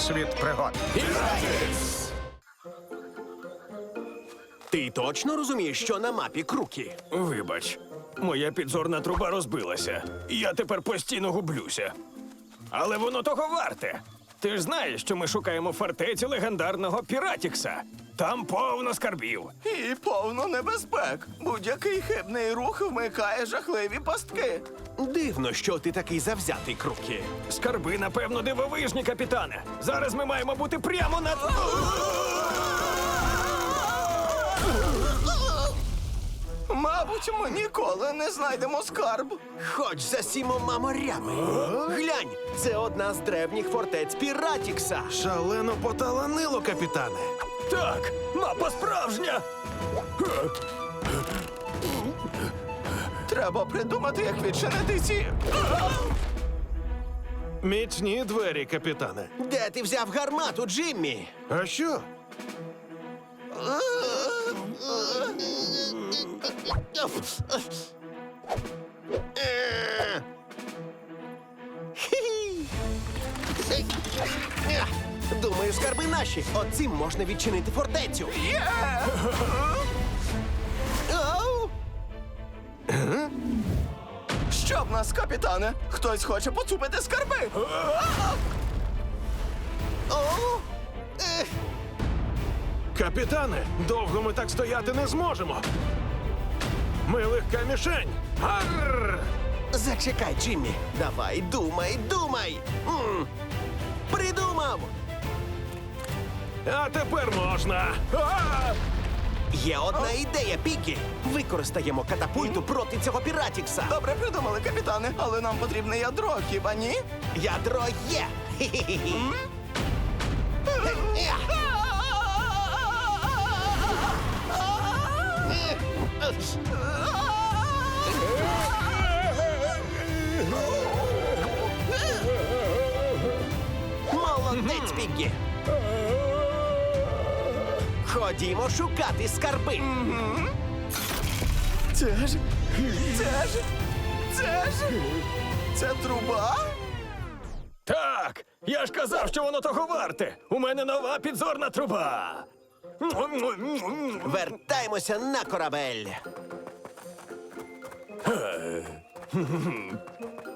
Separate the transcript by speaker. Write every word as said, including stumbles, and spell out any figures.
Speaker 1: Світ пригод.
Speaker 2: Ти точно розумієш, що на мапі круки?
Speaker 3: Вибач, моя підзорна труба розбилася. І я тепер постійно гублюся. Але воно того варте. Ти ж знаєш, що ми шукаємо фортецю легендарного Піратікса. Там повно скарбів.
Speaker 4: І повно небезпек. Будь-який хибний рух вмикає жахливі пастки.
Speaker 2: Дивно, що ти такий завзятий, круки.
Speaker 3: Скарби, напевно, дивовижні, капітане. Зараз ми маємо бути прямо над...
Speaker 4: Мабуть, ми ніколи не знайдемо скарб.
Speaker 2: Хоч за сімома морями. Глянь, це одна з древніх фортець Піратікса.
Speaker 5: Шалено поталанило, капітане.
Speaker 3: Так, мапа справжня!
Speaker 4: Треба придумати, як відчинити ці.
Speaker 5: Міцні двері, капітане.
Speaker 2: Де ти взяв гармату, Джиммі?
Speaker 5: А що?
Speaker 2: Думаю, скарби наші. Оцим можна відчинити фортецю. Оу!
Speaker 4: Що в нас, капітане? Хтось хоче поцупити скарби.
Speaker 2: Оу! Ех!
Speaker 5: Капітане, довго ми так стояти не зможемо. Ми легка мішень. Арр!
Speaker 2: Зачекай, Джиммі. Давай, думай, думай. М. Придумав!
Speaker 5: А тепер можна. А!
Speaker 2: Є одна ідея, Пікі. Використаємо катапульту проти цього Піратікса.
Speaker 4: Добре придумали, капітане, але нам потрібне ядро, хіба ні?
Speaker 2: Ядро є. Хі-хі-хі. Е, Молодець, Пікі. Ходімо шукати скарби.
Speaker 4: Це ж. Це ж. Це ж. Це труба?
Speaker 3: Так, я ж казав, що воно того варте. У мене нова підзорна труба.
Speaker 2: Вертаємося на корабель.